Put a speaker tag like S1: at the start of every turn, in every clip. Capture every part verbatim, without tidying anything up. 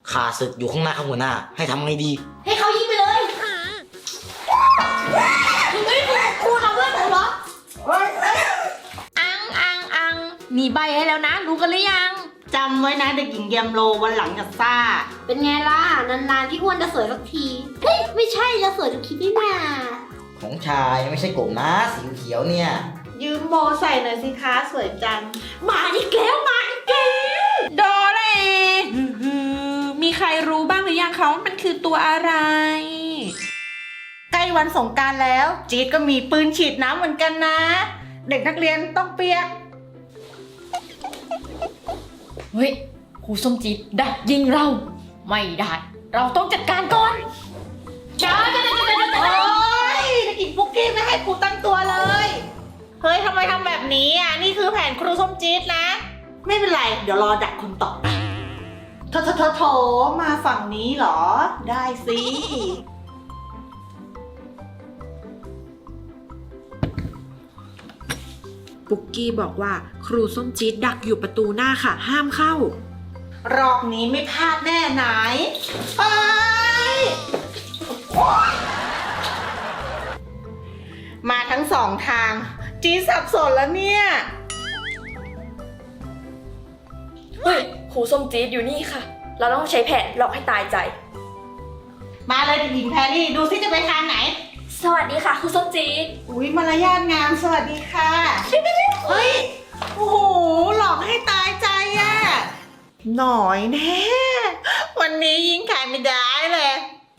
S1: ข้าศึกอยู่ข้างหน้าข้างหัวหน้าให้ทำไงดี
S2: ให้เขายิงไปเลยมึงไม่ครูครูทำเพื่อนผมเหรออังอังอังมีใบให้แล้วนะรู้กันหรือยัง
S3: จำไว้นะเด็กหญิงแยมโลวันหลังจะซ่า
S2: เป็นไงล่ะนานๆที่อ้วนจะสวยสักทีเฮ้ยไม่ใช่จะสวยทุกคลิปนี่นา
S1: ของชายไม่ใช่กบนะสีเขียวเนี่ย
S3: ยืมโบใส่หน่อยสิคะสวยจัง
S2: มาอีกแล้วมาอีกแล้ว
S4: โดเรมีใครรู้บ้างหรือยังคะว่ามันคือตัวอะไร
S3: ใกล้วันสงกรานต์แล้วจี๊ดก็มีปืนฉีดน้ำเหมือนกันนะเด็กนักเรียนต้องเปียก
S2: เฮ้ยครูส้มจี๊ดดักยิงเราไม่ได้เราต้องจัดการก่อนจ้าจ้าจ้าจ้าจ้า
S3: โอ๊ยเด็กหญิงปุ๊กกี้ไม่ให้ครูตั้งตัวเลยเฮ้ยทำไมทำแบบนี้อ่ะนี่คือแผนครูส้มจี๊ดนะไม่เป็นไรเดี๋ยวรอดักคนต่อโถโถโถโถมาฝั่งนี้เหรอได้สิ
S4: ปุกกี้บอกว่าครูส้มจี๊ดดักอยู่ประตูหน้าค่ะห้ามเข้าร
S3: อบนี้ไม่พลาดแน่ไหนไปมาทั้งสองทางจี๊ดสับสนแล้วเนี่ย
S5: เฮ้ยครูส้มจี๊ดอยู่นี่ค่ะเราต้องใช้แผนหลอกให้ตายใจ
S3: มาเลยเด็กหญิงแพรรี่ดูซิจะไปทางไหน
S5: สวัสดีค่ะครูส้มจี๊ด
S3: อุ๊ยมารยาทงามสวัสดีค่ะเฮ้ยโอ้โหหลอกให้ตายใจอ่ะหน่อยแน่วันนี้ยิงขายไม่ได้เลย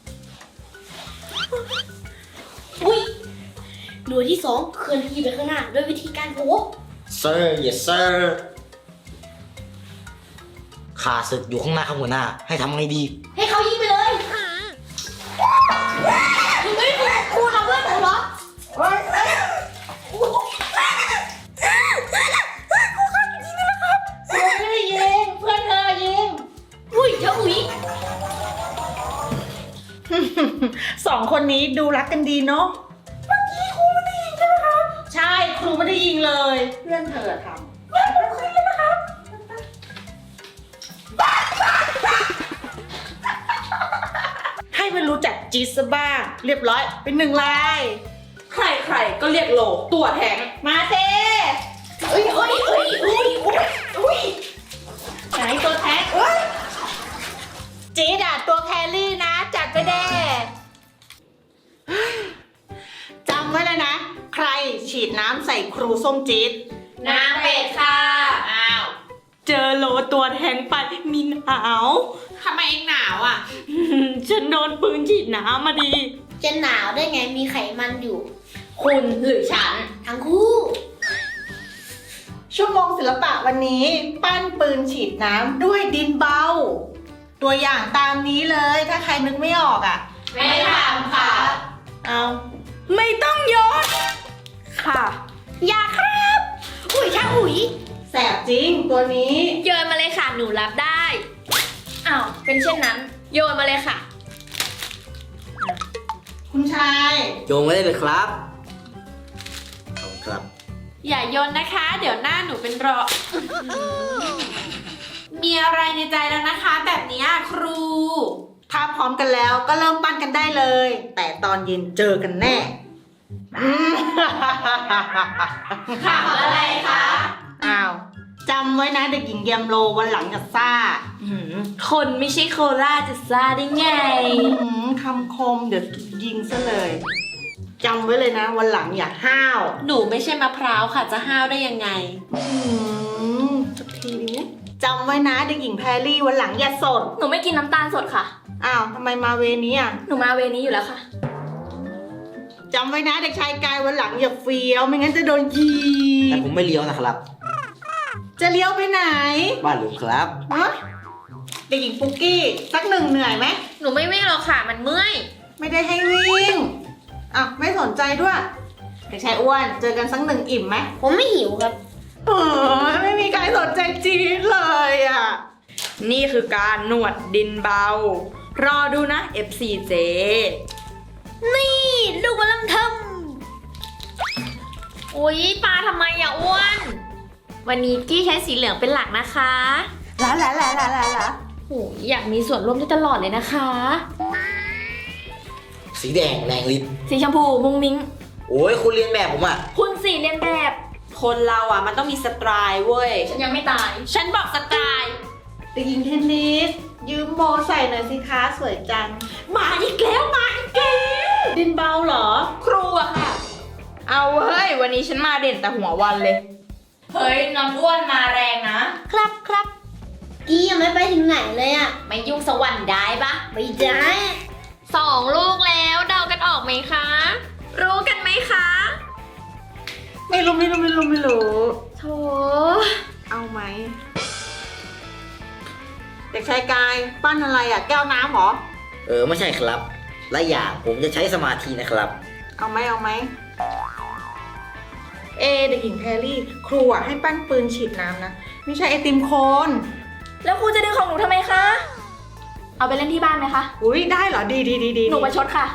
S2: อุ้ยหน่วยที่สองเคลื่อนที่ไปข้างหน้าด้วยวิธีการโผล่
S1: Sir yes sir ข้าศึกอยู่ข้างหน้าข้างหัวหน้าให้ทำไงดี
S2: ให้เขายิงไปเลยมึงไม่ครูครูทำเพื่อนผมเหรอ
S3: เฮ้ย
S2: ครูข้าจริงๆนะครับ
S3: เพื่อนไม่ได้ยิงเพื่อนเธอยิง
S2: อุ้ยเจ้าอุ้ย
S3: สองคนนี้ดูรักกันดีเนาะเมื่อกี้ครูไม่ได้ยิงใช่ไหมคะใช่ครูไม่ได้ยิงเลยเพื่อนเธอทำงั้นผมคืนเลยนะคะให้มันรู้จักจีสบ้างเรียบร้อยเป็นหนึ่งลาย
S5: ใครๆก็เรียกโหลตัวแทง
S3: มาเซ่เอ้ยเอ้ยเอ้ยเอ้ยเอ้ยเอ้ยไหนตัวแท็กเอ้ยจีดอ่ะตัวแครี่นะจัดไปเด้จำไว้เลยนะใครฉีดน้ำใส่ครูส้มจี๊ด
S2: นางเป็ดค่ะ
S3: อ้าว
S4: เจอโลตัวแทงไปมีหนาว
S5: ทำไมเองหนาวอ่ะ
S4: ฉันโดนปืนฉีดน้ำมาดี
S2: จะหนาวได้ไงมีไขมันอยู่
S5: คุณหรือฉัน
S2: ทั้งคู่
S3: ชั่วโมงศิลปะวันนี้ปั้นปืนฉีดน้ำด้วยดินเบาตัวอย่างตามนี้เลยถ้าใครนึกไม่ออกอ่ะ
S2: ไม่ทำค่ะ
S3: เอา
S4: ไม่ต้องโยนค่ะ
S2: อย่าครับอุ้ยช่างอุ้ย
S3: แสบจริงตัวนี้
S5: โยนมาเลยค่ะหนูรับได้อ้าวเป็นเช่นนั้นโยนมาเลยค่ะ
S3: คุณชาย
S1: โยงไว้ได้เลยครับขอบคุณครับ
S4: อย่าโยนนะคะเดี๋ยวหน้าหนูเป็นรอ มีอะไรในใจแล้วนะคะแบบนี้ครู
S3: ถ้าพร้อมกันแล้วก็เริ่มปั้นกันได้เลยแต่ตอนเย็นเจอกันแน่
S2: ข่าวอะไรคะ
S3: อ้าวจำไว้นะเด็กหญิงแยมโลวันหลังจะซ่า
S4: คนไม่ใช่โคล่าจะซ่าได้ไง
S3: คำคมเดี๋ยวยิงซะเลยจำไว้เลยนะวันหลังอย่าห้าว
S4: หนูไม่ใช่มะพร้าวค่ะจะห้าวได้ยังไง
S3: สักทีนี้จำไว้นะเด็กหญิงแพรรี่วันหลังอย่าสด
S5: หนูไม่กินน้ำตาลสดค่ะ
S3: อ้าวทำไมมาเวนี้อ่ะ
S5: หนูมาเวนี้อยู่แล้วค่ะ
S3: จำไว้นะเด็กชายกายวันหลังอย่าเฟี้ยวไม่งั้นจะโดนยิง
S1: แต่ผมไม่เลี้ยวนะครับ
S3: จะเลี้ยวไปไหน
S1: บ้านหรือครับ
S3: ฮะเด็กหญิงปุ๊กกี้สักหนึ่งเหนื่อยไหม
S5: หนูไม่วิ่งหรอกค่ะมันเมื่อย
S3: ไม่ได้ให้วิ่งอ่ะไม่สนใจด้วยเด็กชายอ้วนเจอกันสักหนึ่งอิ่มไหม
S2: ผมไม่หิวครับ
S3: เออไม่มีใครสนใจจี๊ดเลยอ่ะ
S4: นี่คือการนวดดินเบารอดูนะ เอฟ ซี เจ
S2: นี่ลูกมาลำทำ
S5: อุ๊ยปลาทำไมอย่าอ้วนวันนี้กี้ใช้สีเหลืองเป็นหลักนะคะ
S3: ละละละละละละ
S2: โอ้ยอยากมีส่วนร่วมได้ตลอดเลยนะคะ
S1: สีแดงแรงฤทธิ์
S2: สีชมพูมุ้งมิ้ง
S1: โอ้ยคุณเรียนแบบผมอ่ะ
S2: คุณสีเรียนแบบ
S4: คนเราอ่ะมันต้องมีสไตล์เว้ย
S2: ฉันยังไม่ตาย
S4: ฉันบอกสไตล์
S3: เด็กหญิงเทนนิส ยืมโบใส่หน่อยสิคะสวยจัง
S4: มาอีกแล้วมาอีกแล้ว
S3: ดินเบาเหรอ
S4: ครูอะค่ะ เอาเฮ้ย วันนี้ฉันมาเด่นแต่หัววันเลย
S2: เฮ้ยน้องอ้วนมาแรงนะ
S6: ครับครับกี้ยังไม่ไปถึงไหนเลยอะ
S2: ไม่ยุ่งสวรรค์ได้ปะ
S6: ไม่ได้
S2: สองลูกแล้วเดากันออกไหมคะ รู้กันไหมคะ
S3: ไม่รู้ไม่รู้ไม่รู้ไม่รู้
S2: โถ
S3: เอาไหม เด็กชายกายปั้นอะไรอ่ะ แก้วน้ำเหรอ
S1: เออไม่ใช่ครับและอย่างผมจะใช้สมาธินะครับ
S3: เอาไหมเอาไหม เอเด็กหญิงแพรรี่ ครูอ่ะให้ปั้นปืนฉีดน้ำนะ ไม่ใช่ไอติมโคน
S5: แล้วครูจะดึงของหนูทำไมคะ เอาไปเล่นที่บ้านไหมคะ
S3: อุ้ยได้เหรอ ดีดีดีดี
S5: หนูประชดค่ะ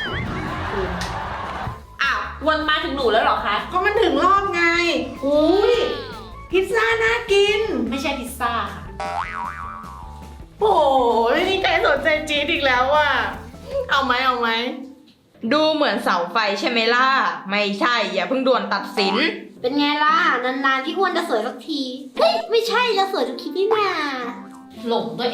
S4: อ้าว วนมาถึงหนูแล้วเหรอคะ
S3: เพราะมันถึงรอบไง อุ้ยพิซซ่าน่ากิน
S2: ไม่ใช่พิซซ่าค่ะ
S3: โอ้ยนี่ใครสนใจจี๊ดอีกแล้วอ่ะ เอาไหมเอาไหม
S4: ดูเหมือนเสาไฟใช่ไหมล่ะ ไม่ใช่ อย่าเพิ่งด่วนตัดสิน
S6: เป็นไงล่ะ นานๆที่อ้วนจะสวยสักที เฮ้ย ไม่ใช่จะสวยทุกคลิปนี่นา
S2: หลงตัวเอง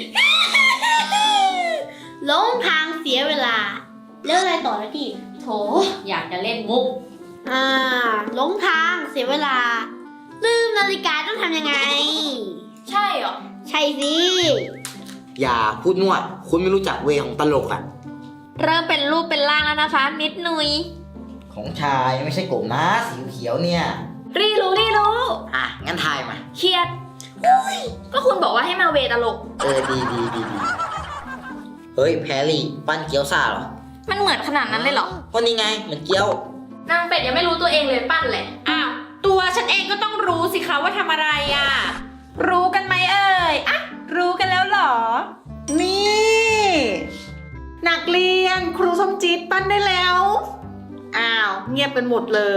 S6: หลงทางเสียเวลา แล้วอะไรต่อนะพี่
S2: โถอยากจะเล่นมุก
S6: อ่าหลงทางเสียเวลา ลืมนาฬิกาต้องทำยังไง
S2: ใช่เหรอ
S6: ใช่สิ
S1: อย่าพูดนวดคุณไม่รู้จักเวของตลกอ่ะ
S2: เริ่มเป็นรูปเป็นร่างแล้วนะคะ นิดหนุย
S1: ของชายไม่ใช่กบนะสีเขียวเนี่ย
S2: รีรู้รีรู้
S1: อ่ะงั้นทายมา
S2: เครียดก็คุณบอกว่าให้มาเวตลก
S1: เออดีดีดีดีเฮ้ยแพรรี่ปั้นเกี๊ยวซ่าเหรอ
S2: มันเหมือนขนาดนั้นเลยเหรอ
S1: ก็นี่ไงเหมือนเกี๊ยวน
S2: างเป็ดยังไม่รู้ตัวเองเลยปั้นแหละ
S4: อ้าว ตัวฉันเองก็ต้องรู้สิคะว่าทำอะไรอ่ะ รู้กันไหมเอ่ย อ่ะ รู้กันแล้วเหรอ
S3: นี่นักเรียนครูส้มจี๊ดปั้นได้แล้ว อ้าว เงียบกันหมดเลย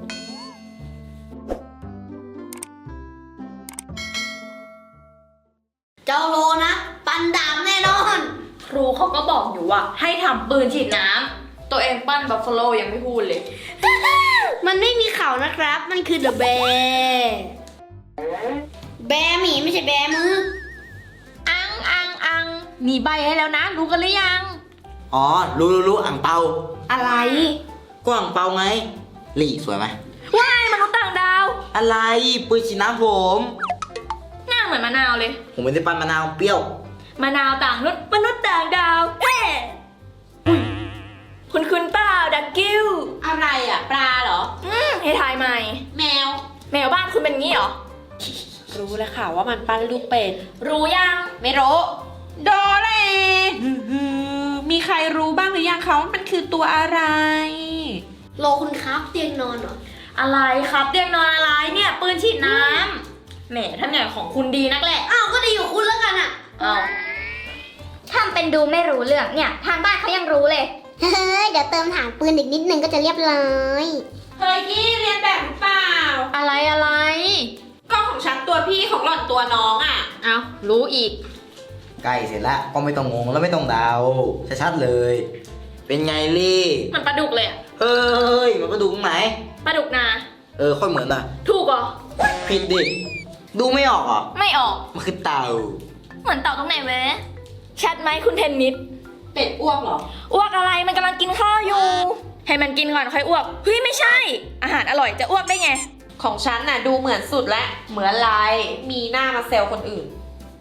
S6: เจ้าโลนะ ปันดามแน่นอน
S2: ครูเขาก็บอกอยู่ว่าให้ทำปืนฉีดน้ำตัวเองปั้นบัฟฟาโลยังไม่พูดเลย
S6: มันไม่มีเขานะครับ มันคือเดอะแบร์แบร์หมีไม่ใช่แบร์มือ
S2: อังอังอังมีใบให้แล้วนะ รู้กันหรือยัง
S1: อ๋อรู้รู้รู้อ่างเปา
S2: อะไร
S1: ก็อ่างเปาไงลี่สวยไหม
S2: ว้ายมนุษย์ต่างดาว
S1: อะไรปืนฉีดน้ำผม
S2: หน้าเหมือนมะนาวเลย
S1: ผมไม่ได้ปั้นมะนาวเปรี้ยว
S2: มะนาวต่างนุษย์มนุษย์ต่างดาวเฮ้อุ๊ยคุณคุณเปล่าดักกิ้ว
S4: อะไรอ่ะ ปลาเหรอ
S2: อืมให้ทายใหม่
S6: แมว
S2: แมวบ้านคุณเป็นงี้เหรอ
S4: รู้แล้วค่ะว่ามันปั้นลูกเป็ด
S2: รู้ยัง
S4: ไม่รู้โดเรฮือมีใครรู้บ้างหรือยังคะว่ามันคือตัวอะไร
S6: โลคุณครับเตียงนอนเหรอ
S2: อะไรครับเตียงนอนอะไรเนี่ย ปืนฉีดน้ำแหมท่านเนี่ยของคุณดีนักแหละ
S6: อ้าว ก็ดีอยู่คุณแล้วกันอะ
S2: อ้าว
S7: ทำเป็นดูไม่รู้เรื่องเนี่ย ทางบ้านเขายังรู้เลย
S6: เฮ้ย เดี๋ยวเติมฐานปืนอีกนิดนึงก็จะเรียบร้อย
S4: เฮ้ยกี้เรียนแบบหรือเปล่า
S2: อะไรอะไร
S4: ก็ของฉันตัวพี่ของหล่อนตัวน้องอ่ะ
S2: เอารู้อีก
S1: ใกล้เสร็จแล้วก็ไม่ต้องงงแล้วไม่ต้องเดาชัดๆเลย เป็นไงลี่
S2: มันปลาดุกเลยอะ
S1: เฮ้ยมันก็ดูตรงไหน
S2: ปลาดุกนา
S1: เออค่อยเหมือนอ่ะ
S2: ถูกเหรอ
S1: ผิดดิดูไม่ออกเหรอ
S2: ไม่ออก
S1: มันคือเต่า
S2: เหมือนเต่าตรงไหนเว้ยชัดไหมคุณเทนนิส
S4: เป็ดอ้วกเหรอ
S2: อ้วกอะไรมันกำลังกินข้าวอยู่ ให้มันกินก่อนค่อยอ้วก เฮ้ยไม่ใช่ อาหารอร่อยจะอ้วกได้ไง
S4: ของฉันน่ะดูเหมือนสุดแล้วเหมือนลายมีหน้ามาเซลคนอื่น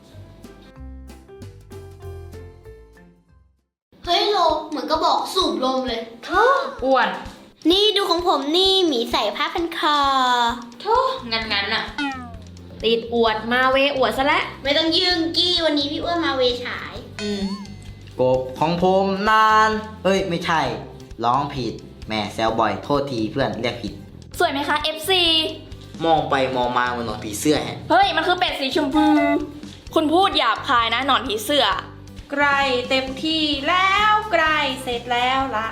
S6: เฮ้ยโล เหมือนก็บอกสูบลมเลย
S2: อ้วน
S6: นี่ดูของผมนี่หมีใส่ผ้าพันคอ
S2: โธ่งั้นงั้นๆอะติดอวดมาเวอวดซะแล้ว
S6: ไม่ต้องยืงกี้วันนี้พี่อ้วนมาเวฉาย
S2: อืม
S1: กบของผมนาน เอ้ยไม่ใช่ ร้องผิดแหม่แซวบ่อยโทษทีเพื่อนเรียกผิด
S2: สวยไหมคะ เอฟ ซี
S1: มองไปมองมาเหมือนหนอนผีเสื้อแฮะ
S2: เฮ้ย มันคือเป็ดสีชมพู คุณพูดหยาบคายนะหนอนผีเสื้อ
S4: ใกล้เต็มที่แล้วใกล้เสร็จแล้วละ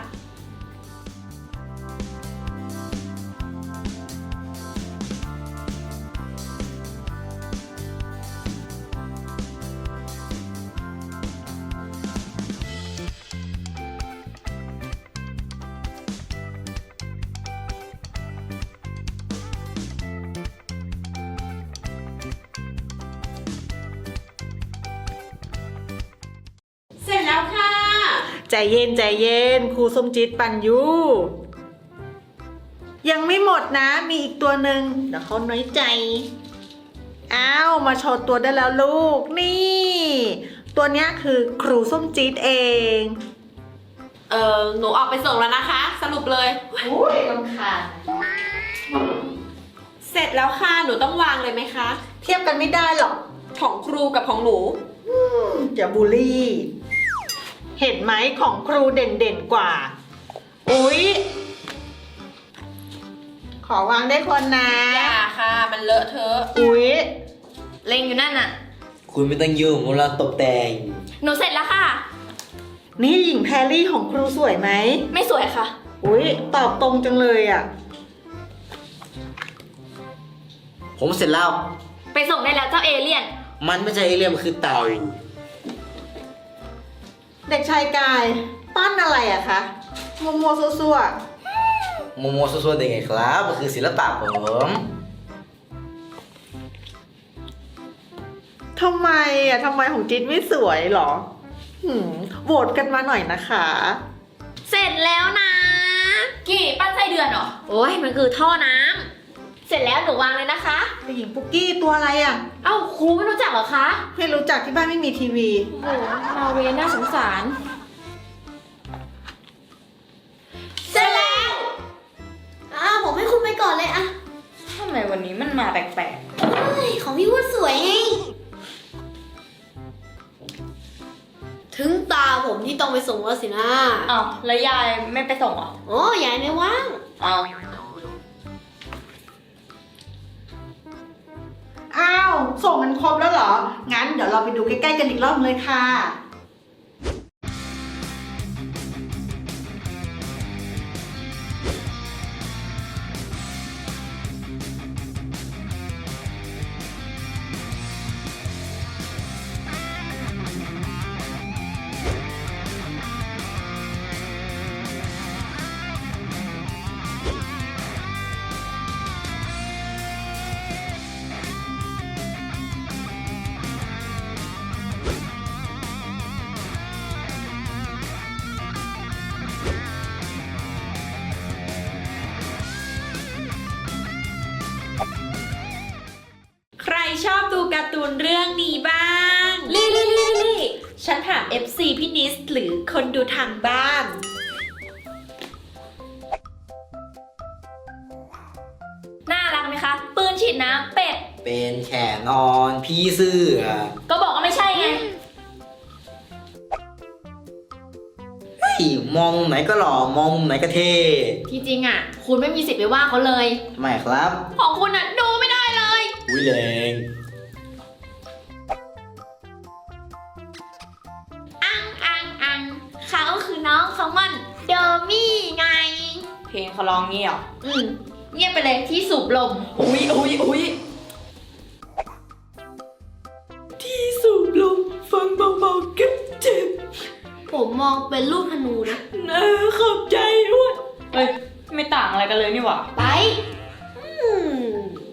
S3: ใจเย็นใจเย็นครูส้มจิตปัญญูยังไม่หมดนะมีอีกตัวหนึ่งเดี๋ยวเขาน้อยใจอ้าวมาโชว์ตัวได้แล้วลูกนี่ ตัวเนี้ยคือครูส้มจิตเอง
S4: เออหนูออกไปส่งแล้วนะคะ สรุปเลย
S3: อุ้ยลำคาญ
S4: เสร็จแล้วค่ะ หนูต้องวางเลยไหมคะ
S3: เทียบกันไม่ได้หรอก
S4: ของครูกับของหนู
S3: อย่าบูลลี่ เห็นไหมของครูเด่นๆกว่า อุ๊ย ขอวางได้คนนะ
S4: อย่าค่ะ มันเลอะเทอะ
S3: อุ๊ย
S2: เล็งอยู่นั่นน่ะ
S1: คุณไม่ต้องยุ่งเราตกแต่ง
S2: หนูเสร็จแล้วค่ะ
S3: นี่หญิงแพรรี่ของครูสวยไหม
S2: ไม่สวยค่ะ
S3: อุ๊ย ตอบตรงจังเลยอ่ะ
S1: ผมเสร็จแล้ว
S2: ไปส่งได้แล้วเจ้าเอเลี่ยน
S1: มันไม่ใช่เอเลี่ยนมันคือเต่า
S3: เด็กชายกายปั้นอะไรอะคะมัวมัวๆซัว
S1: โมโมโซโซได้ไงครับ มันคือศิลปะผม
S3: ๆทำไมอะทำไมของจิ๊ดไม่สวยหรอ หืมโหวตกันมาหน่อยนะคะ
S2: เสร็จแล้วนะ กี่ปั้นไส้เดือนเหรอ โอ้ยมันคือท่อน้ำเสร็จแล้วหนูวางเลยนะคะ
S3: เด็กหญิงปุ๊กกี้ตัวอะไรอะ
S2: เอ้าครูไม่รู้จักเหรอคะ
S3: ไม่รู้จักที่บ้านไม่มีทีวี
S2: โอ้มาเวน่าสงสาร
S6: เสร็จแล้ว อ้าวผมให้คุณไปก่อนเลยอะ
S2: ทำไมวันนี้มันมาแปลก
S6: เฮ้ยของพี่วุฒิสวยไง ถึงตาผมที่ต้องไปส่งแล้วสินะ
S2: ๆอ้าวแล้วยายไม่ไปส่งเหรอ
S6: โอ้ยายไม่ว่าง
S2: อ้าว
S3: อ้าว ส่งกันครบแล้วเหรอ งั้นเดี๋ยวเราไปดูใกล้ๆกันอีกรอบเลยค่ะ
S4: ใครชอบดูการ์ตูนเรื่องนี้บ้าง
S2: ลี่ลี่ลี่ลี่
S4: ฉันถาม เอฟ ซี พี่นิสหรือคนดูทางบ้าน
S2: น่ารักไหมคะ ปืนฉีดน้ำเป็ด
S1: เป็นแขนนอนพี่เสื้อ
S2: ก็บอกว่าไม่ใช่ไง
S1: เฮ้ยมองมุมไหนก็หล่อ มองมุมไหนก็เท่
S2: ที่จริงอ่ะ คุณไม่มีสิทธิ์ไปว่าเขาเลย
S1: ทำไมครับ
S2: ของคุณอ่ะดูไม่ได้เลย
S1: อุ้ยแรง
S2: อังอังอังเขาคือน้องเขามันเดอมี่ไง
S4: เพลงเขาร้องงี้เหรอ
S2: อืมเงียบไปเลยที่สูบลม
S4: อุ๊ยอุ๊ยอุ๊ยที่สูบลมฟังเบาๆก็เจ็บ
S6: ผมมองเป็นลูกธนูนะ
S4: นะขอบใจด้วย
S2: เฮ้ย ไม่ต่างอะไรกันเลยนี่หว่า
S6: ไป อืม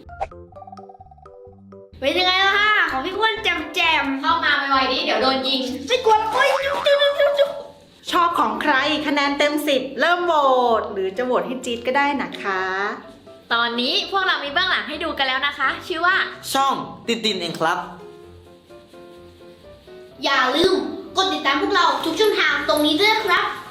S6: เป็นยังไงล่ะฮะของพี่อ้วนแจมแจม
S2: เข้ามาไวๆดิเดี๋ยวโดนยิง
S6: ๆไม่กลัวหรอกเว้ยจุ๊บจุ๊บจุ๊บจุ๊บ
S3: ชอบของใครคะแนนเต็มสิบเริ่มโหวตหรือจะโหวตให้จี๊ดก็ได้นะคะ
S2: ตอนนี้พวกเรามีเบื้องหลังให้ดูกันแล้วนะคะ ชื่อว่า
S1: ช่องติดตินเองครับ
S6: อย่าลืมกดติดตามพวกเราทุกช่องทางตรงนี้ด้วยนะครับ